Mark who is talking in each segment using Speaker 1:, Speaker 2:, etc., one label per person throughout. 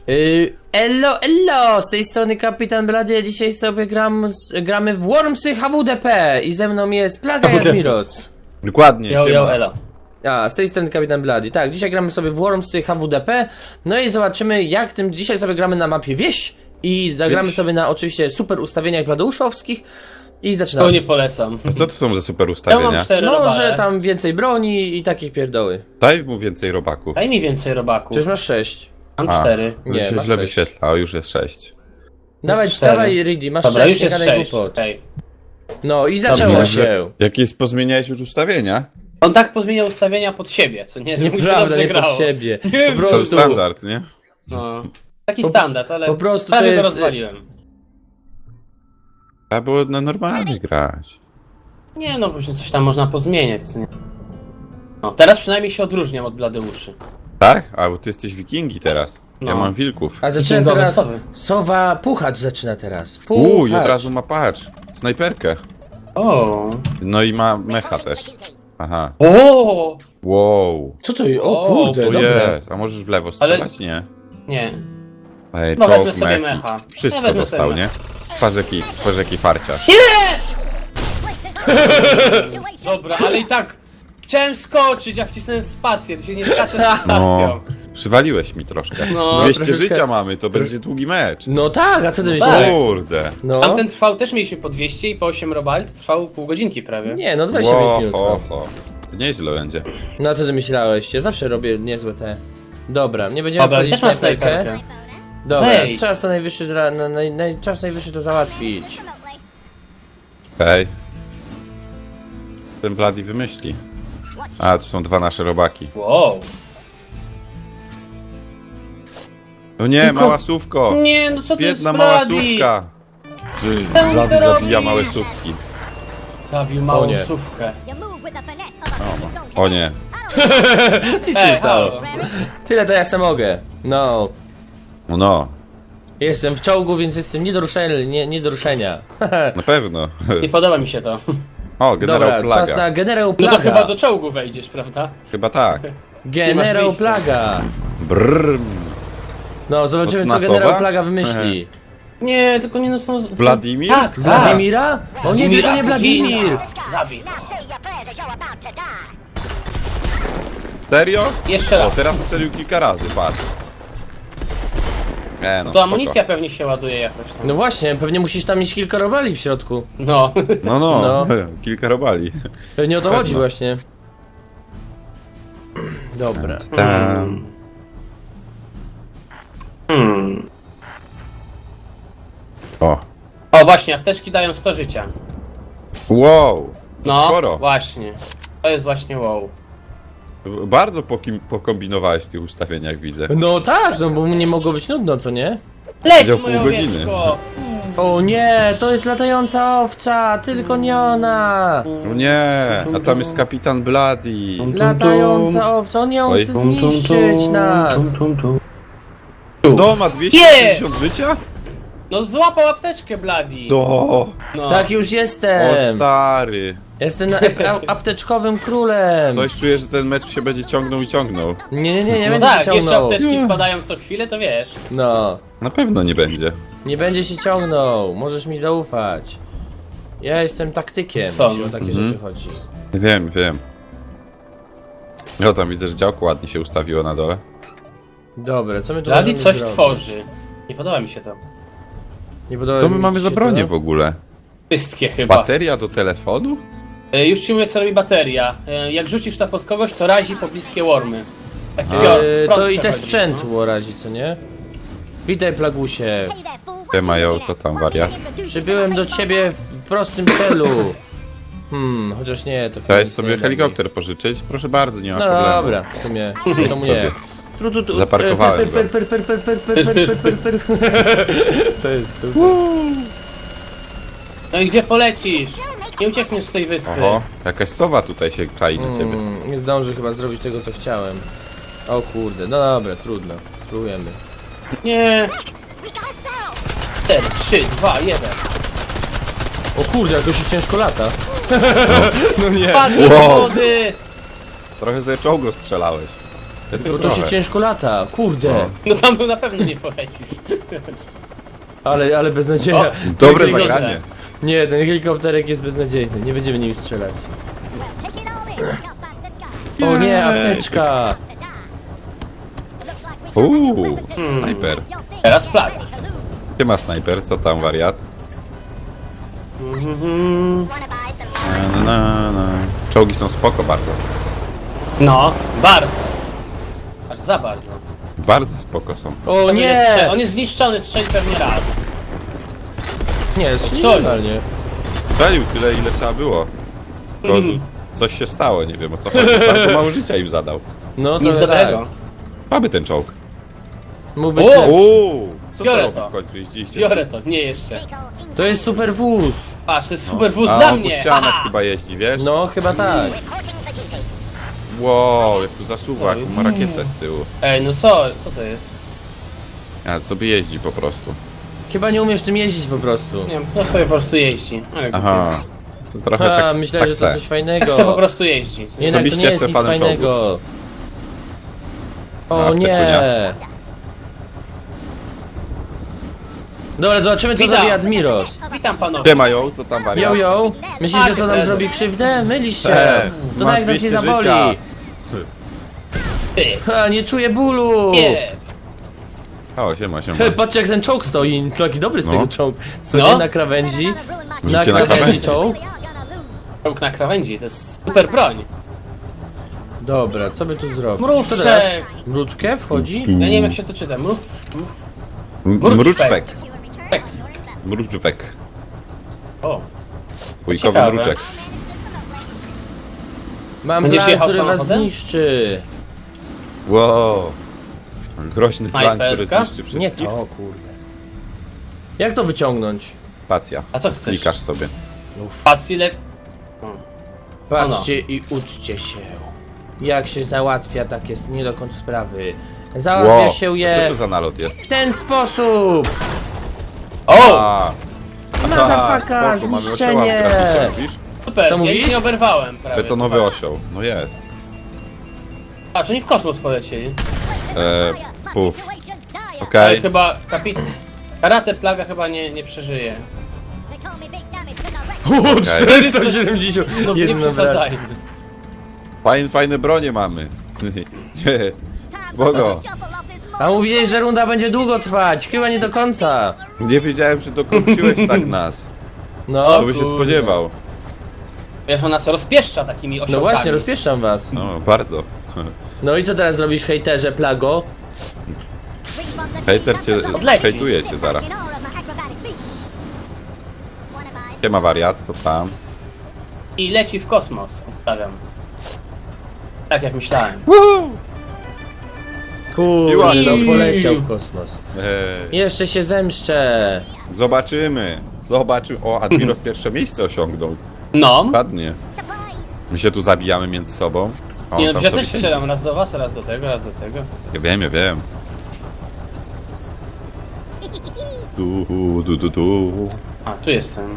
Speaker 1: Elo, z tej strony Kapitan Blady, a dzisiaj sobie gramy w Wormsy HWDP i ze mną jest Plaga i Admiros.
Speaker 2: Dokładnie,
Speaker 3: Elo.
Speaker 1: A, z tej strony Kapitan Blady. Tak, dzisiaj gramy sobie w Wormsy HWDP, no i zobaczymy jak tym dzisiaj sobie gramy na mapie Wieś i zagramy
Speaker 2: Wieś.
Speaker 1: sobie na oczywiście super ustawieniach bladeuszowskich i zaczynamy.
Speaker 3: To nie polecam.
Speaker 2: Co to są za super
Speaker 3: Ja
Speaker 2: ustawienia?
Speaker 3: mam 4
Speaker 1: No,
Speaker 3: robale.
Speaker 1: że tam więcej broni i takich pierdoły.
Speaker 2: Daj mu więcej robaków.
Speaker 3: Daj mi więcej robaków.
Speaker 1: Przecież masz 6.
Speaker 3: Mam
Speaker 2: A,
Speaker 3: 4.
Speaker 1: Nie,
Speaker 2: się
Speaker 1: masz
Speaker 2: źle
Speaker 1: 6.
Speaker 2: wyświetla, o już jest 6.
Speaker 1: Dawaj,
Speaker 3: 4.
Speaker 1: dawaj Riddy, masz
Speaker 3: Dobra,
Speaker 1: 6,
Speaker 3: już
Speaker 1: nie
Speaker 3: jest
Speaker 1: gadaj
Speaker 3: 6.
Speaker 1: głupot.
Speaker 3: Okay.
Speaker 1: No i zaczęło
Speaker 3: Dobrze.
Speaker 1: się.
Speaker 2: Jakie pozmieniałeś już ustawienia?
Speaker 3: On tak pozmieniał ustawienia pod siebie, co nie, że mu się
Speaker 1: Nieprawda,
Speaker 3: dobrze
Speaker 1: nie
Speaker 3: grało.
Speaker 1: pod siebie.
Speaker 3: Nie,
Speaker 1: Po
Speaker 2: To
Speaker 1: prostu,
Speaker 2: standard, nie?
Speaker 3: No. Taki standard, ale
Speaker 1: po prostu
Speaker 3: prawie
Speaker 1: to jest-
Speaker 3: go rozwaliłem.
Speaker 2: Trzeba było na normalnie grać.
Speaker 3: Nie no, później coś tam można pozmieniać, co nie. No, teraz przynajmniej się odróżniam od Bladeuszy.
Speaker 2: Tak? A bo ty jesteś wikingi teraz. Ja
Speaker 3: No.
Speaker 2: mam wilków.
Speaker 1: A zaczyna
Speaker 3: Księgowe
Speaker 1: teraz.
Speaker 3: sowy.
Speaker 1: Sowa Puchacz zaczyna teraz.
Speaker 2: I od razu ma patrz. Snajperkę.
Speaker 3: O.
Speaker 2: No i ma mecha też. Aha.
Speaker 3: O.
Speaker 2: Wow.
Speaker 1: Co to jest? O
Speaker 3: O,
Speaker 1: kurde,
Speaker 2: To
Speaker 1: dobra.
Speaker 2: jest. A możesz w lewo strzelać? Nie.
Speaker 3: Nie.
Speaker 2: Ej,
Speaker 3: No, wezmę
Speaker 2: czołg,
Speaker 3: sobie
Speaker 2: mech.
Speaker 3: mecha.
Speaker 2: Wszystko
Speaker 3: Ja wezmę
Speaker 2: dostał,
Speaker 3: sobie
Speaker 2: nie?
Speaker 3: mecha.
Speaker 2: Patrz jaki farciarz.
Speaker 3: Dobra, ale i tak chciałem skoczyć, a wcisnąłem spację, tu się nie skacze z spacją.
Speaker 2: No. Przywaliłeś mi troszkę.
Speaker 3: No,
Speaker 2: 200
Speaker 1: troszeczkę.
Speaker 2: życia mamy, to będzie długi mecz.
Speaker 1: No tak, a co ty
Speaker 3: tak.
Speaker 1: myślałeś?
Speaker 2: Kurde.
Speaker 1: No.
Speaker 3: Tamten trwał też mieliśmy po 200 i po 8 robali, to trwało pół godzinki prawie.
Speaker 1: Nie, no 25 minut.
Speaker 2: Ho,
Speaker 1: No.
Speaker 2: ho. To nieźle będzie.
Speaker 1: No a co ty myślałeś? Ja zawsze robię niezłe te. Dobra, nie będziemy
Speaker 3: Dobra,
Speaker 1: wchodzić
Speaker 3: też
Speaker 1: w
Speaker 3: mam
Speaker 1: snajperkę.
Speaker 3: snajperkę.
Speaker 1: Dobra,
Speaker 3: Wejdź.
Speaker 1: czas to najwyższy, czas najwyższy to załatwić.
Speaker 2: Okej. Ten Bloody wymyśli. A, tu są dwa nasze robaki.
Speaker 3: Wow.
Speaker 2: No nie,
Speaker 3: Tylko-
Speaker 2: mała sówko!
Speaker 3: Nie, no co to jest
Speaker 2: Biedna mała
Speaker 3: Bloody?
Speaker 2: sówka!
Speaker 3: Czemu
Speaker 2: Bloody
Speaker 3: to
Speaker 2: zabija
Speaker 3: robisz?
Speaker 2: małe sówki.
Speaker 3: Zabił
Speaker 1: O
Speaker 3: małą
Speaker 1: nie.
Speaker 3: sówkę.
Speaker 2: O nie.
Speaker 1: Nic się stało.
Speaker 3: halo.
Speaker 1: Tyle to ja sam mogę. No.
Speaker 2: No,
Speaker 1: Jestem w czołgu, więc jestem nie do ruszenia.
Speaker 2: na pewno.
Speaker 3: Nie podoba mi się to.
Speaker 2: O, generał
Speaker 1: Dobra, czas na
Speaker 2: Plaga.
Speaker 1: generał
Speaker 3: No to chyba
Speaker 1: Plaga.
Speaker 3: do czołgu wejdziesz, prawda?
Speaker 2: Chyba tak.
Speaker 1: Generał
Speaker 3: wyjścia.
Speaker 1: Plaga.
Speaker 2: Brrr.
Speaker 1: No, zobaczymy co
Speaker 2: Mocna
Speaker 1: generał
Speaker 2: sowa?
Speaker 1: Plaga wymyśli.
Speaker 3: Nie, tylko nie no są...
Speaker 2: Wladimir?
Speaker 3: Tak, tak.
Speaker 1: Wladimira? O nie, tylko nie Wladimir!
Speaker 3: Zabij.
Speaker 2: Serio?
Speaker 3: Jeszcze
Speaker 2: O,
Speaker 3: raz.
Speaker 2: teraz strzelił kilka razy, patrz. No,
Speaker 3: To
Speaker 2: spoko.
Speaker 3: amunicja pewnie się ładuje jakoś tam.
Speaker 1: No właśnie, pewnie musisz tam mieć kilka robali w środku.
Speaker 3: No.
Speaker 2: No,
Speaker 1: No.
Speaker 2: kilka robali.
Speaker 1: Pewnie o to
Speaker 2: Pewno.
Speaker 1: chodzi właśnie. Dobra.
Speaker 2: Tam. O.
Speaker 3: O właśnie, apteczki dają 100 życia.
Speaker 2: Wow. To
Speaker 3: No,
Speaker 2: sporo.
Speaker 3: właśnie. To jest właśnie wow.
Speaker 2: Bardzo pokombinowałeś w tych ustawieniach, widzę.
Speaker 1: No tak, no bo nie mogło być nudno, co nie?
Speaker 3: Leć
Speaker 2: Siedział
Speaker 3: moje
Speaker 2: pół godziny.
Speaker 3: owieczko!
Speaker 1: O nie, to jest latająca owca, tylko nie ona!
Speaker 2: No nie, a tam jest kapitan Bloody.
Speaker 1: Latająca owca, on ją
Speaker 2: Oj.
Speaker 1: chce zniszczyć nas!
Speaker 2: To ma 250 życia?
Speaker 3: No złapał apteczkę, Bloody!
Speaker 2: To.
Speaker 3: No.
Speaker 1: Tak już
Speaker 2: O
Speaker 1: jestem!
Speaker 2: stary.
Speaker 1: Jestem apteczkowym królem!
Speaker 2: Ktoś czuje, że ten mecz się będzie ciągnął i ciągnął.
Speaker 1: Nie
Speaker 3: No
Speaker 1: będzie
Speaker 3: tak,
Speaker 1: się
Speaker 3: jeszcze
Speaker 1: ciągnął.
Speaker 3: apteczki spadają co chwilę, to wiesz.
Speaker 1: No,
Speaker 2: Na pewno nie będzie.
Speaker 1: nie będzie się ciągnął, możesz mi zaufać. Ja jestem taktykiem,
Speaker 3: Są.
Speaker 1: jeśli o takie
Speaker 2: Mhm.
Speaker 1: rzeczy chodzi.
Speaker 2: Wiem, wiem. O, tam widzę, że działko ładnie się ustawiło na dole.
Speaker 1: Dobra, co my tu
Speaker 3: Bloody
Speaker 1: możemy
Speaker 3: coś
Speaker 1: zrobić?
Speaker 3: tworzy. Nie podoba mi się to.
Speaker 1: Nie podoba
Speaker 2: To
Speaker 1: mi
Speaker 2: my mamy
Speaker 1: się
Speaker 2: za bronię
Speaker 1: to?
Speaker 2: w ogóle.
Speaker 3: Wszystkie chyba.
Speaker 2: Bateria do telefonu?
Speaker 3: Już ci mówię, co robi bateria. Jak rzucisz to pod kogoś, to razi pobliskie wormy. Takie
Speaker 1: To i te sprzęt razi, co nie? Witaj, Plagusie.
Speaker 2: Te mają, co tam, wariat?
Speaker 1: Przybyłem do ciebie w prostym celu. Chociaż nie, to chyba
Speaker 2: Chciałeś
Speaker 1: nic
Speaker 2: sobie
Speaker 1: nie
Speaker 2: helikopter pożyczyć? Proszę bardzo, nie ma
Speaker 1: No
Speaker 2: problemu.
Speaker 1: dobra, w sumie, to
Speaker 2: sobie.
Speaker 1: mnie.
Speaker 2: Zaparkowałem go.
Speaker 1: To jest super.
Speaker 3: No i gdzie polecisz? Nie uciekniesz z tej wyspy.
Speaker 2: Oho, jakaś sowa tutaj się czai na ciebie.
Speaker 1: Nie zdążę chyba zrobić tego, co chciałem. O kurde, no dobra, trudno. Spróbujemy.
Speaker 3: Nie. 4, 3, 2, 1.
Speaker 1: O kurde, jak to się ciężko lata. No nie.
Speaker 3: Padnij do
Speaker 2: Wow.
Speaker 3: wody!
Speaker 2: Trochę ze czołgo strzelałeś.
Speaker 1: Bo to się ciężko lata, kurde.
Speaker 2: O.
Speaker 3: No tam na pewno nie polecisz.
Speaker 1: Ale beznadzieja.
Speaker 2: Dobre
Speaker 3: Wygląda.
Speaker 2: zagranie.
Speaker 1: Nie, ten helikopterek jest beznadziejny, nie będziemy nim strzelać. O nie, apteczka!
Speaker 2: Snajper.
Speaker 3: Teraz plaga.
Speaker 2: Gdzie ma snajper? Co tam, wariat? Na. Czołgi są spoko bardzo.
Speaker 3: No, bardzo. Aż za bardzo.
Speaker 2: Bardzo spoko są.
Speaker 1: O nie!
Speaker 3: On jest zniszczony, strzeli pewnie raz.
Speaker 1: Nie, strzelił
Speaker 3: Co?
Speaker 1: normalnie.
Speaker 2: Strzelił tyle, ile trzeba było. Tylko coś się stało, nie wiem o co chodzi. Bardzo mało życia im zadał.
Speaker 1: No to
Speaker 3: Nic dobrego.
Speaker 1: Tak.
Speaker 2: Mamy ten czołg.
Speaker 1: Mógł być
Speaker 3: O!
Speaker 1: lepszy.
Speaker 2: Uuu, co
Speaker 3: Biorę
Speaker 2: to robi
Speaker 3: to.
Speaker 2: w końcu? Jeździliście?
Speaker 3: Biorę to, nie jeszcze.
Speaker 1: To jest super wóz.
Speaker 3: Patrz, to jest super wóz
Speaker 2: A
Speaker 3: dla
Speaker 2: on po
Speaker 3: mnie.
Speaker 2: ścianach
Speaker 3: Aha!
Speaker 2: chyba jeździ, wiesz?
Speaker 1: No, chyba tak.
Speaker 2: Wow, jak tu zasuwa, jak ma rakietę z tyłu.
Speaker 3: Ej, no co to jest?
Speaker 2: A sobie jeździ po prostu.
Speaker 1: Chyba nie umiesz tym jeździć po prostu.
Speaker 3: Nie wiem, to sobie po prostu jeździ. Ale
Speaker 2: Aha. To trochę
Speaker 1: Ha,
Speaker 2: tak,
Speaker 1: myślałem, że to
Speaker 2: tak
Speaker 1: coś fajnego.
Speaker 3: tak se po prostu jeździ.
Speaker 1: Jednak to nie
Speaker 2: Osobiście
Speaker 1: jest
Speaker 2: jestem
Speaker 1: nic
Speaker 2: fanem
Speaker 1: fajnego. O
Speaker 2: A,
Speaker 1: nie!
Speaker 2: Petunia.
Speaker 1: Dobra, zobaczymy co
Speaker 3: Witam.
Speaker 1: zrobi Admiros.
Speaker 3: Witam panowie.
Speaker 2: Gdzie mają? Co tam wariat?
Speaker 1: Yo, myślisz, że to nam
Speaker 3: prezes.
Speaker 1: zrobi krzywdę? Mylisz się. To
Speaker 2: masz
Speaker 1: nawet nas nie
Speaker 2: 200
Speaker 1: zaboli.
Speaker 2: życia.
Speaker 3: Ty.
Speaker 1: Ha, nie czuję bólu.
Speaker 3: Nie.
Speaker 2: O, siema, siema.
Speaker 1: Ty, patrz jak ten czołg stoi, taki dobry z
Speaker 2: No.
Speaker 1: tego czołg. Co
Speaker 3: No.
Speaker 1: nie na krawędzi? Na
Speaker 2: Życie na
Speaker 1: krawędzi
Speaker 2: krawędzi.
Speaker 1: czołg.
Speaker 3: Czołg na krawędzi, to jest super broń.
Speaker 1: Dobra, co by tu zrobić?
Speaker 3: Mruczek.
Speaker 1: Co teraz? Mruczkę wchodzi?
Speaker 3: Ja nie wiem jak się to czyta.
Speaker 2: Mruczwek.
Speaker 3: Tak.
Speaker 2: Mruczwek.
Speaker 3: O.
Speaker 2: Wujkowy
Speaker 3: Ciekawe.
Speaker 2: mruczek.
Speaker 1: Mam
Speaker 3: Będziesz
Speaker 1: plan,
Speaker 3: jechał
Speaker 1: który was
Speaker 3: samochodem?
Speaker 1: zniszczy.
Speaker 2: Wow. Groźny plan, który
Speaker 3: Snajperka?
Speaker 2: zniszczy wszystkich.
Speaker 1: Nie to, kurde. Jak to wyciągnąć?
Speaker 2: Spacja.
Speaker 3: A co chcesz?
Speaker 2: Klikasz sobie.
Speaker 3: Pacile...
Speaker 1: Patrzcie i uczcie się. Jak się załatwia takie nie do końca sprawy. Załatwia
Speaker 2: Wow.
Speaker 1: się
Speaker 2: Co
Speaker 1: je
Speaker 2: to za nalot jest?
Speaker 1: w ten sposób.
Speaker 3: O!
Speaker 2: A,
Speaker 1: Motherfucker,
Speaker 2: spoko, mamy
Speaker 1: zniszczenie.
Speaker 2: osioła w grafice, mówisz?
Speaker 3: Super,
Speaker 1: Co
Speaker 3: ja
Speaker 1: mówisz?
Speaker 3: ich nie oberwałem prawie.
Speaker 2: Betonowy osioł. No jest.
Speaker 3: Patrz, oni w kosmos polecieli.
Speaker 2: Puf.
Speaker 3: Ale
Speaker 2: Okej.
Speaker 3: chyba Karate Plaga chyba nie przeżyje.
Speaker 1: O,
Speaker 2: 470.
Speaker 3: No nie przesadzajmy.
Speaker 2: Fajne bronie mamy. Bogo.
Speaker 1: A mówiłeś, że runda będzie długo trwać. Chyba nie do końca.
Speaker 2: Nie wiedziałem, że dokończyłeś tak nas.
Speaker 1: No,
Speaker 2: Kto by się
Speaker 3: kurde.
Speaker 2: spodziewał?
Speaker 3: Wiesz, on nas rozpieszcza takimi osiołkami.
Speaker 1: no właśnie, rozpieszczam was.
Speaker 2: No, bardzo.
Speaker 1: No i co teraz zrobisz, hejterze, plago?
Speaker 2: Hejter cię,
Speaker 3: Odleci.
Speaker 2: hejtuje cię zaraz. Siema wariat, co tam?
Speaker 3: I leci w kosmos, obstawiam. Tak jak myślałem.
Speaker 1: Kurde,
Speaker 2: Miła.
Speaker 1: no poleciał w kosmos.
Speaker 2: Ej,
Speaker 1: Jeszcze się zemszczę.
Speaker 2: zobaczymy. O, Admiros pierwsze miejsce osiągnął.
Speaker 3: No.
Speaker 2: Ładnie. My się tu zabijamy między sobą. A on
Speaker 3: Nie no,
Speaker 2: tam
Speaker 3: ja
Speaker 2: sobie
Speaker 3: też
Speaker 2: siedzi.
Speaker 3: strzelam raz do was, raz do tego, raz do tego.
Speaker 2: Ja wiem, ja wiem. Tu.
Speaker 3: A, tu jestem.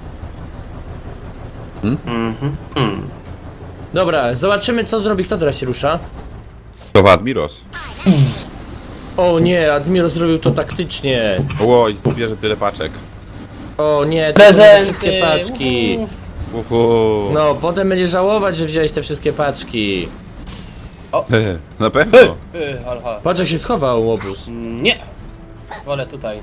Speaker 1: Dobra, zobaczymy co zrobi, kto teraz się rusza.
Speaker 2: To Admiros.
Speaker 1: O nie, Admiros zrobił to taktycznie.
Speaker 2: Oj, zbierze tyle paczek.
Speaker 1: O nie, to
Speaker 3: Prezenty!
Speaker 1: wszystkie paczki.
Speaker 3: Uhu.
Speaker 1: No, potem będziesz żałować, że wziąłeś te wszystkie paczki.
Speaker 2: Na pewno.
Speaker 3: Halo, halo.
Speaker 1: Patrz jak się schował łobuz.
Speaker 3: Nie! Wolę tutaj.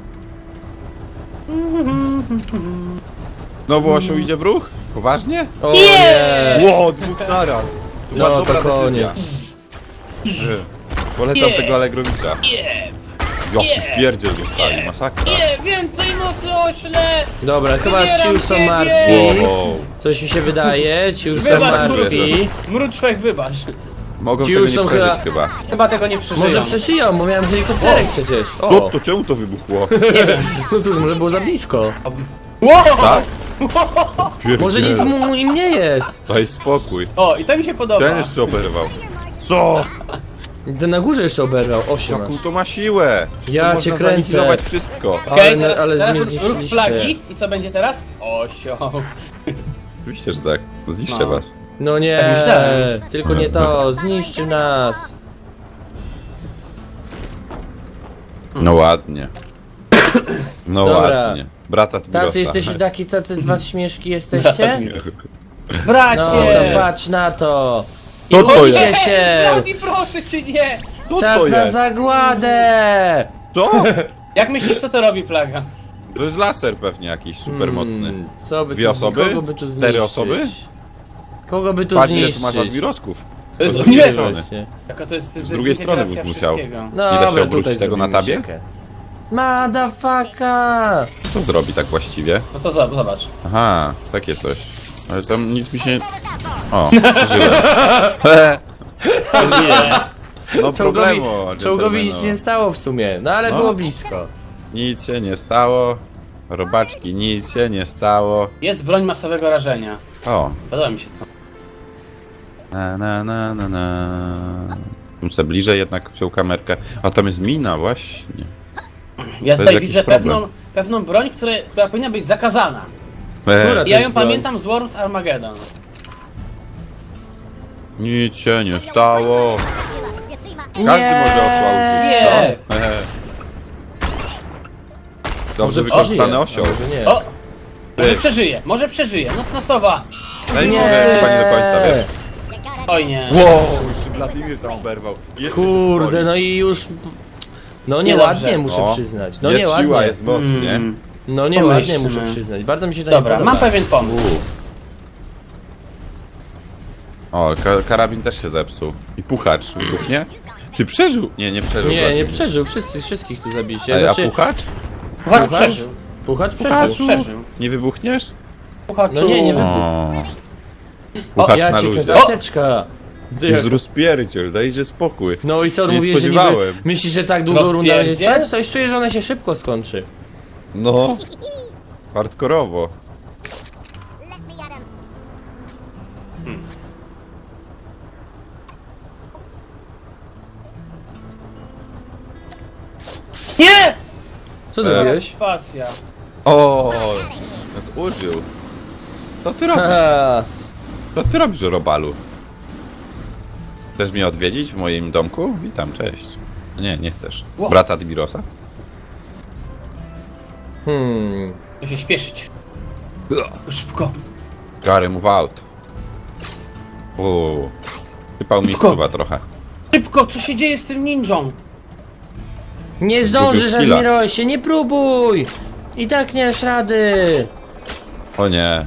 Speaker 2: Znowu osioł idzie w ruch? Poważnie?
Speaker 1: O nie!
Speaker 2: Ło, dwóch naraz.
Speaker 1: No to
Speaker 2: dobra
Speaker 1: koniec.
Speaker 2: decyzja. Polecam
Speaker 3: Nie.
Speaker 2: tego Allegrowicza.
Speaker 3: Nie!
Speaker 2: Jaki wpierdziel dostali, masakra.
Speaker 3: Nie! Więcej mocy ośle!
Speaker 1: Dobra, chyba ci
Speaker 3: Wybieram
Speaker 1: już są
Speaker 3: ciebie!
Speaker 1: martwi.
Speaker 2: Wow.
Speaker 1: Coś mi się wydaje, ci już są
Speaker 3: Wybacz,
Speaker 1: martwi.
Speaker 3: Mruczwek, wybacz.
Speaker 2: Mogą
Speaker 1: Ci
Speaker 2: tego
Speaker 1: już
Speaker 2: nie
Speaker 1: są
Speaker 2: przeżyć
Speaker 1: chyba-
Speaker 2: chyba.
Speaker 3: Chyba tego nie przeżyją.
Speaker 1: Może przeszyją, bo miałem helikopterek przecież.
Speaker 2: To,
Speaker 1: O,
Speaker 2: to czemu to wybuchło?
Speaker 1: no cóż, może było za blisko.
Speaker 3: Wow!
Speaker 2: Tak?
Speaker 1: Może nic mu im nie jest.
Speaker 2: Daj spokój.
Speaker 3: O, i to mi się podoba.
Speaker 2: Ten jeszcze oberwał. Co?
Speaker 1: Ten na górze jeszcze oberwał, 8
Speaker 2: Jaką
Speaker 1: aż.
Speaker 2: to ma siłę?
Speaker 1: Ja
Speaker 2: to
Speaker 1: cię
Speaker 2: można
Speaker 1: kręcę.
Speaker 2: zaniwelować wszystko.
Speaker 3: Okej,
Speaker 1: Ale- ale
Speaker 3: teraz
Speaker 1: mnie
Speaker 3: ruch
Speaker 1: zniszczyliście.
Speaker 3: flagi. I co będzie teraz? Osioł.
Speaker 2: Oczywiście, że tak. Zniszczę
Speaker 3: No.
Speaker 2: was.
Speaker 1: No nie,
Speaker 3: Tak myślałem.
Speaker 1: tylko nie to, zniszczy nas.
Speaker 2: No ładnie. No
Speaker 1: Dobra.
Speaker 2: ładnie. Brata Tbirosa.
Speaker 1: Tacy jesteście taki, tacy z was śmieszki jesteście? No
Speaker 3: Bracie!
Speaker 1: dobra, patrz na to! I
Speaker 2: Co to
Speaker 1: uczcie
Speaker 2: jest?
Speaker 1: się!
Speaker 3: Brady, proszę cię, nie!
Speaker 2: Co
Speaker 1: Czas
Speaker 2: to
Speaker 1: na
Speaker 2: jest?
Speaker 1: zagładę!
Speaker 2: Co?
Speaker 3: Jak myślisz, co to robi plaga?
Speaker 2: To jest laser pewnie jakiś super mocny.
Speaker 1: Co by
Speaker 2: Dwie
Speaker 1: tu,
Speaker 2: osoby?
Speaker 1: Kogo by tu
Speaker 2: 4
Speaker 1: zniszczyć?
Speaker 2: osoby?
Speaker 1: Kogo by tu
Speaker 2: Patrz ile tu
Speaker 1: zniszczyć?
Speaker 2: masz admirosków.
Speaker 3: To jest
Speaker 2: Z drugiej
Speaker 3: nie
Speaker 2: strony.
Speaker 1: Właśnie.
Speaker 3: Jaka to jest
Speaker 2: Z drugiej strony
Speaker 3: dezintegracja
Speaker 2: bym musiał.
Speaker 3: wszystkiego.
Speaker 2: Nie da się
Speaker 1: Dobra,
Speaker 2: obrócić
Speaker 1: tutaj
Speaker 2: tego na
Speaker 1: zrobimy
Speaker 2: tabie?
Speaker 1: siekę. Motherfucker!
Speaker 2: Co zrobi tak właściwie?
Speaker 3: No to zobacz.
Speaker 2: Aha, takie coś. Ale tam nic mi się... O, przeżyłem. No problemu.
Speaker 1: Czołgowi nic
Speaker 2: gentlemano.
Speaker 1: nie stało w sumie, no ale
Speaker 2: No.
Speaker 1: było blisko.
Speaker 2: Nic się nie stało. Robaczki, nic się nie stało.
Speaker 3: Jest broń masowego rażenia.
Speaker 2: O.
Speaker 3: Podoba mi się to.
Speaker 2: Na. Tu se bliżej jednak wziął kamerkę. A tam jest mina, właśnie.
Speaker 3: Ja
Speaker 2: To
Speaker 3: tutaj
Speaker 2: jest
Speaker 3: widzę
Speaker 2: jakiś problem.
Speaker 3: pewną broń, która powinna być zakazana.
Speaker 1: Która? To
Speaker 3: Ja
Speaker 1: jest
Speaker 3: ją
Speaker 1: broń.
Speaker 3: pamiętam z Worms Armageddon.
Speaker 2: Nic się nie stało.
Speaker 1: Nie.
Speaker 2: Każdy może osła użyć,
Speaker 3: Nie.
Speaker 2: co? Dobrze
Speaker 1: Może
Speaker 2: wykorzystany
Speaker 1: przeżyje,
Speaker 2: osioł.
Speaker 1: a może nie.
Speaker 3: O! Może przeżyje, może przeżyje. Noc masowa.
Speaker 2: Daj mi
Speaker 1: Nie.
Speaker 2: chyba nie do końca, wiesz.
Speaker 3: Oj nie.
Speaker 2: Wow, jeszcze Wladimir tam oberwał. Jeszcze się
Speaker 1: Kurde,
Speaker 2: spoli.
Speaker 1: no i już... No
Speaker 3: Niedobrze.
Speaker 1: nieładnie muszę
Speaker 2: No.
Speaker 1: przyznać, no
Speaker 2: Jest
Speaker 1: nieładnie.
Speaker 2: siła, jest moc, nie?
Speaker 1: No nieładnie
Speaker 3: Pomyślmy.
Speaker 1: muszę przyznać, bardzo mi się to
Speaker 3: Dobra,
Speaker 1: nie podoba.
Speaker 3: mam pewien pomysł.
Speaker 2: O, karabin też się zepsuł. I puchacz wybuchnie? Ty przeżył? Nie przeżył.
Speaker 1: Nie, nie
Speaker 2: Wladimir.
Speaker 1: przeżył, wszystkich tu zabiliście.
Speaker 2: Ej, a
Speaker 1: Znaczy,
Speaker 2: puchacz?
Speaker 3: Puchacz
Speaker 1: Puchacz?
Speaker 3: przeżył.
Speaker 1: Puchacz
Speaker 3: Puchacz
Speaker 1: przeżył.
Speaker 3: przeżył.
Speaker 2: Nie wybuchniesz?
Speaker 3: Puchaczu.
Speaker 1: No nie wybuchł.
Speaker 2: O. Puchacz
Speaker 1: Ja
Speaker 2: na
Speaker 1: cię
Speaker 2: luzie.
Speaker 1: karteczka.
Speaker 2: Jest rozpierdziel, dajże spokój.
Speaker 1: No i co,
Speaker 2: Się nie
Speaker 1: mówisz, że niby...
Speaker 2: spodziewałem.
Speaker 1: Myślisz, że tak długo runda będzie
Speaker 3: Rozpierdziel?
Speaker 1: trwać? Coś czuję, że ona się szybko skończy.
Speaker 2: No. Hardkorowo.
Speaker 3: Nie!
Speaker 1: Co zrobiłeś?
Speaker 3: Spacja.
Speaker 2: O, nas użył. Co ty robisz?
Speaker 1: Haha.
Speaker 2: Co ty robisz, Robalu? Chcesz mnie odwiedzić w moim domku? Witam, cześć. Nie, nie chcesz.
Speaker 3: Ło.
Speaker 2: Brata Dimirosa?
Speaker 3: Muszę się śpieszyć. Szybko.
Speaker 2: Gary, move out. Uuu. Sypał mi
Speaker 3: Szybko.
Speaker 2: suwa trochę.
Speaker 3: Szybko, co się dzieje z tym ninją?
Speaker 1: Nie zdążysz,
Speaker 2: Zgubił skilla.
Speaker 1: Admirosie, nie próbuj! I tak nie dasz rady!
Speaker 2: O nie.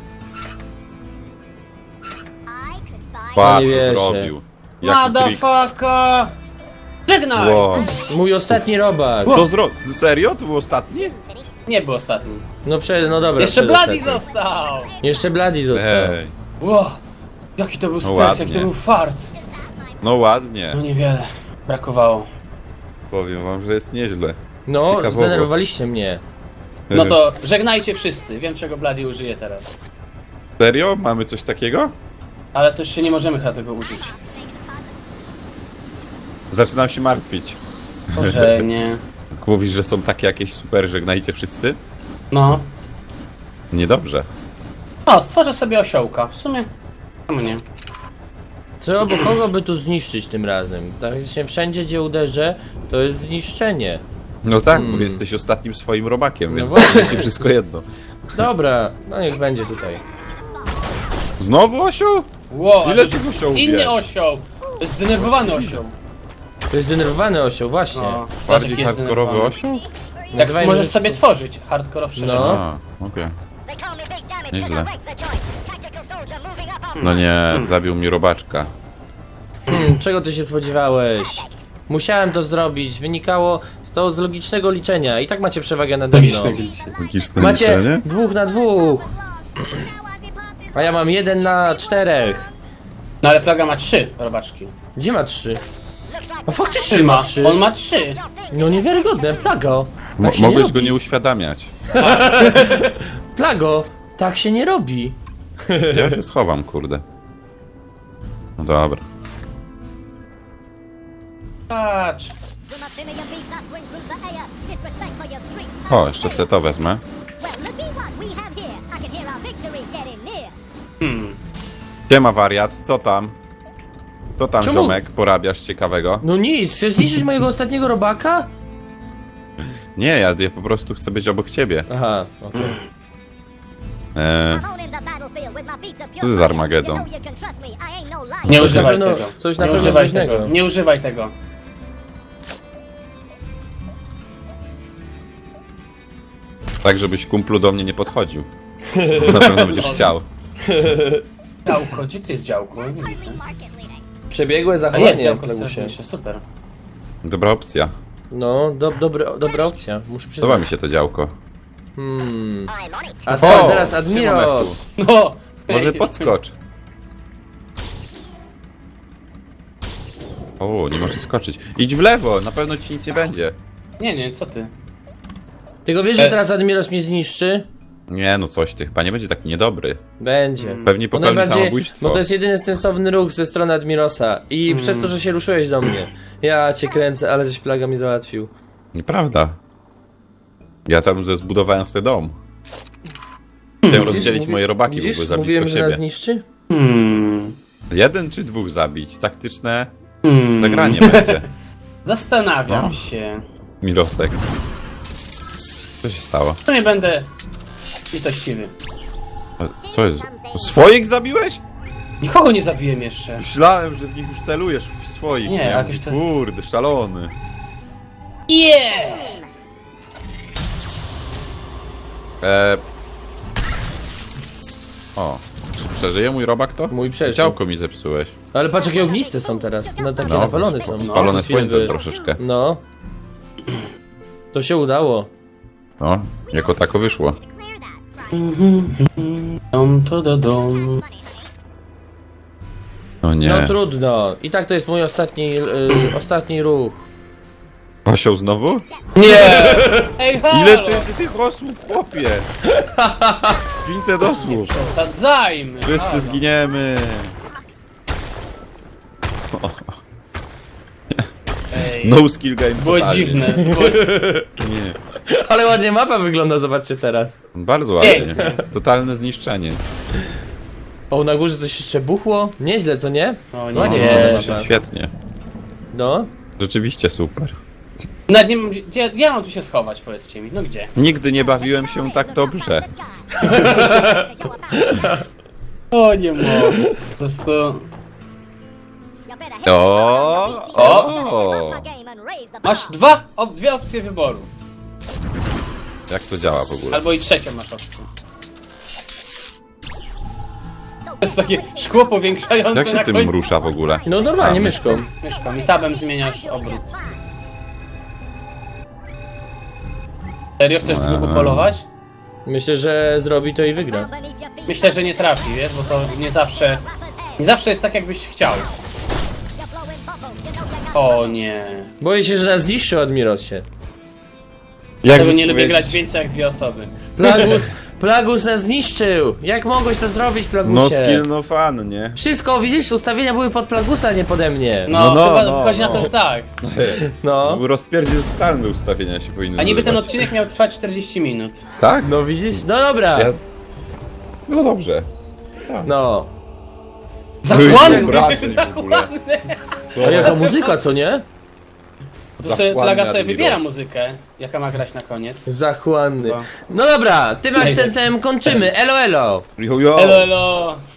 Speaker 1: No
Speaker 2: Patrz,
Speaker 1: nie
Speaker 2: co
Speaker 1: wierzę.
Speaker 2: zrobił. Jaki trik.
Speaker 3: Motherfucker! Żegnaj!
Speaker 2: Wow.
Speaker 1: Mój ostatni robak.
Speaker 2: Serio? To był ostatni?
Speaker 3: Nie był ostatni.
Speaker 1: No dobra.
Speaker 3: Jeszcze Bloody
Speaker 1: przedostatni.
Speaker 3: został!
Speaker 1: Jeszcze Bloody został.
Speaker 2: Ej,
Speaker 3: Wow. Jaki to był stres,
Speaker 2: ładnie.
Speaker 3: jaki to był fart.
Speaker 2: no ładnie.
Speaker 3: No niewiele. Brakowało.
Speaker 2: Powiem wam, że jest nieźle.
Speaker 1: No,
Speaker 2: Ciekawowo.
Speaker 1: zdenerwowaliście mnie.
Speaker 3: No to żegnajcie wszyscy. Wiem czego Bloody użyje teraz.
Speaker 2: Serio? Mamy coś takiego?
Speaker 3: Ale to jeszcze nie możemy chyba tego użyć.
Speaker 2: Zaczynam się martwić.
Speaker 3: Może nie.
Speaker 2: Mówisz, że są takie jakieś super, żegnajcie wszyscy?
Speaker 3: No.
Speaker 2: Niedobrze.
Speaker 3: O, stworzę sobie osiołka. W sumie. Czemu nie?
Speaker 1: Co, bo kogo by tu zniszczyć tym razem? Tak się wszędzie, gdzie uderzę, to jest zniszczenie.
Speaker 2: No tak, bo jesteś ostatnim swoim robakiem, więc
Speaker 1: właśnie.
Speaker 2: ci wszystko jedno.
Speaker 1: Dobra, no niech będzie tutaj.
Speaker 2: Znowu osioł?
Speaker 3: Wow,
Speaker 2: Ile
Speaker 3: ale to
Speaker 2: tych
Speaker 3: jest
Speaker 2: osiołów
Speaker 3: inny
Speaker 2: jest?
Speaker 3: osioł. To jest zdenerwowany osioł.
Speaker 1: To jest zdenerwowany osioł, właśnie.
Speaker 3: No,
Speaker 2: Bardziej
Speaker 3: taki jest
Speaker 2: hardkorowy
Speaker 3: zdenerwowany.
Speaker 2: osioł?
Speaker 3: Tak
Speaker 1: Nazywajmy
Speaker 3: możesz
Speaker 1: rzeczy-
Speaker 3: sobie tworzyć hardkorowsze
Speaker 1: No.
Speaker 3: rzeczy.
Speaker 2: A, okej. Nieźle. No nie, zabił mi robaczka.
Speaker 1: Czego ty się spodziewałeś? Musiałem to zrobić, wynikało z logicznego liczenia. I tak macie przewagę nade mną.
Speaker 2: Logiczne
Speaker 1: Macie
Speaker 2: liczenie?
Speaker 1: 2 na 2. A ja mam 1 na 4.
Speaker 3: No ale plaga ma 3 robaczki.
Speaker 1: Gdzie ma 3? A faktycznie
Speaker 3: Trzyma.
Speaker 1: ma 3.
Speaker 3: On ma 3.
Speaker 1: No niewiarygodne, Plago. Tak się nie
Speaker 2: Mogłeś
Speaker 1: robi.
Speaker 2: go nie uświadamiać.
Speaker 1: Plago, tak się nie robi.
Speaker 2: Ja się schowam, kurde. No dobra.
Speaker 3: Patrz.
Speaker 2: O, jeszcze se to wezmę. Siema wariat, co tam? Co tam,
Speaker 1: Czemu?
Speaker 2: ziomek, porabiasz ciekawego?
Speaker 1: No nic, chcesz zniszczyć mojego ostatniego robaka?
Speaker 2: Nie, ja po prostu chcę być obok ciebie.
Speaker 1: Aha, okej.
Speaker 2: Co to za Armagedon?
Speaker 3: Nie używaj
Speaker 1: pewno-
Speaker 3: tego.
Speaker 1: coś na
Speaker 3: Nie
Speaker 1: pewno
Speaker 3: używaj
Speaker 1: groźnego.
Speaker 3: tego. Nie używaj tego.
Speaker 2: Tak, żebyś kumplu do mnie nie podchodził. Bo na pewno będziesz chciał.
Speaker 3: Działko, gdzie ty jest działko? Nie widzę.
Speaker 1: Przebiegłe
Speaker 3: A jest
Speaker 1: zachowanie,
Speaker 3: działko
Speaker 1: Plagusie.
Speaker 3: strażnicze, super.
Speaker 2: Dobra opcja.
Speaker 1: No, dobra opcja, muszę
Speaker 2: Podoba
Speaker 1: przyznać.
Speaker 2: mi się to działko.
Speaker 1: A
Speaker 2: O,
Speaker 1: teraz
Speaker 2: siema,
Speaker 1: Admiros!
Speaker 2: Mewku.
Speaker 3: No!
Speaker 2: Może podskocz. O, nie możesz skoczyć. Idź w lewo, na pewno ci nic nie będzie.
Speaker 3: Nie, co ty?
Speaker 1: Tylko wiesz, że teraz Admiros mnie zniszczy?
Speaker 2: Nie, no coś ty, chyba nie będzie taki niedobry.
Speaker 1: Będzie.
Speaker 2: Pewnie
Speaker 1: Bo
Speaker 2: popełni samobójstwo.
Speaker 1: bo to jest jedyny sensowny ruch ze strony Admirosa. I przez to, że się ruszyłeś do mnie. Ja cię kręcę, ale żeś Plaga mi załatwił.
Speaker 2: Nieprawda. Ja tam zbudowałem sobie dom. Chciałem rozdzielić moje robaki, bo
Speaker 1: widzisz?
Speaker 2: były za
Speaker 1: Mówiłem,
Speaker 2: blisko
Speaker 1: że nas
Speaker 2: siebie.
Speaker 1: zniszczy?
Speaker 2: Jeden czy dwóch zabić? Taktyczne
Speaker 3: Hmm.
Speaker 2: zagranie będzie.
Speaker 3: Zastanawiam
Speaker 2: No.
Speaker 3: się.
Speaker 2: Mirosek. Co się stało?
Speaker 3: To nie będę litościwy.
Speaker 2: Co jest? Swoich zabiłeś?
Speaker 3: Nikogo nie zabiłem jeszcze.
Speaker 2: Myślałem, że w nich już celujesz, w swoich.
Speaker 3: Nie,
Speaker 2: Ja
Speaker 3: jakoś
Speaker 2: mówię,
Speaker 3: to-
Speaker 2: Kurde, szalony.
Speaker 3: Yeah!
Speaker 2: O, czy przeżyje mój robak to?
Speaker 1: Mój przeżył.
Speaker 2: Działko mi zepsułeś.
Speaker 1: Ale patrz, jakie ogniste są teraz. No, takie
Speaker 2: No,
Speaker 1: napalone są.
Speaker 2: spalone
Speaker 1: Przez chwilę
Speaker 2: słońcem
Speaker 1: były.
Speaker 2: troszeczkę.
Speaker 1: No. To się udało.
Speaker 2: No, jako tako wyszło.
Speaker 3: Dom to do dom.
Speaker 2: No nie.
Speaker 1: No trudno. I tak to jest mój ostatni ruch.
Speaker 2: Osioł znowu?
Speaker 3: Nie! Ej, halo!
Speaker 2: Ile to jest tych osłów, chłopie? 500 osłów.
Speaker 3: Przesadzajmy!
Speaker 2: Wszyscy
Speaker 3: halo.
Speaker 2: zginiemy.
Speaker 3: Ej,
Speaker 2: No skill game
Speaker 3: było
Speaker 2: totalnie.
Speaker 3: dziwne.
Speaker 2: Nie.
Speaker 1: Ale ładnie mapa wygląda, zobaczcie teraz.
Speaker 2: Bardzo ładnie.
Speaker 3: Pięknie.
Speaker 2: Totalne zniszczenie.
Speaker 1: O, na górze coś jeszcze buchło? Nieźle, co nie?
Speaker 3: O nie.
Speaker 1: Ładnie
Speaker 3: Nie.
Speaker 1: wygląda mapa.
Speaker 2: Świetnie.
Speaker 1: No.
Speaker 2: Rzeczywiście super.
Speaker 3: Nawet nie wiem, gdzie ja mam tu się schować, powiedzcie mi. No gdzie?
Speaker 2: Nigdy nie bawiłem się tak dobrze.
Speaker 3: O, nie mogę. Po prostu...
Speaker 2: O!
Speaker 3: Masz dwie opcje wyboru.
Speaker 2: Jak to działa w ogóle?
Speaker 3: Albo i trzecią masz opcję. To jest takie szkło powiększające
Speaker 2: Jak się
Speaker 3: na
Speaker 2: tym
Speaker 3: końcu.
Speaker 2: rusza w ogóle?
Speaker 1: No normalnie,
Speaker 2: A,
Speaker 1: myszką.
Speaker 3: Myszką i tabem zmieniasz obrót. Serio chcesz dwóch polować?
Speaker 1: Myślę, że zrobi to i wygra.
Speaker 3: Myślę, że nie trafi, wiesz, bo to nie zawsze... Nie zawsze jest tak, jakbyś chciał. O nie.
Speaker 1: Boję się, że nas zniszczy Admirosie.
Speaker 3: Tego nie lubię grać więcej jak dwie osoby.
Speaker 1: Plagus nas zniszczył! Jak mogłeś to zrobić, Plagusie?
Speaker 2: No skill no fun, nie?
Speaker 1: Wszystko, widzisz, ustawienia były pod Plagusa, nie pode mnie.
Speaker 3: No,
Speaker 2: No,
Speaker 3: chyba
Speaker 2: no,
Speaker 3: wychodzi
Speaker 2: no.
Speaker 3: na to, że tak.
Speaker 1: No.
Speaker 2: Rozpierdziel totalne ustawienia się powinny
Speaker 3: A niby ten
Speaker 2: nazywać.
Speaker 3: odcinek miał trwać 40 minut.
Speaker 2: Tak?
Speaker 1: No widzisz? No dobra.
Speaker 2: Ja... No dobrze.
Speaker 1: No.
Speaker 3: Zachłanny!
Speaker 2: wyobraźni w ogóle.
Speaker 3: Zachłanny!
Speaker 1: A jaka muzyka, co nie?
Speaker 3: To sobie
Speaker 2: Zachłanny
Speaker 3: Plaga sobie
Speaker 2: Admiros.
Speaker 3: wybiera muzykę, jaka ma grać na koniec.
Speaker 1: Zachłanny.
Speaker 3: Chyba.
Speaker 1: No dobra, tym akcentem kończymy. Elo, elo.
Speaker 2: Jo, jo.
Speaker 3: Elo, elo!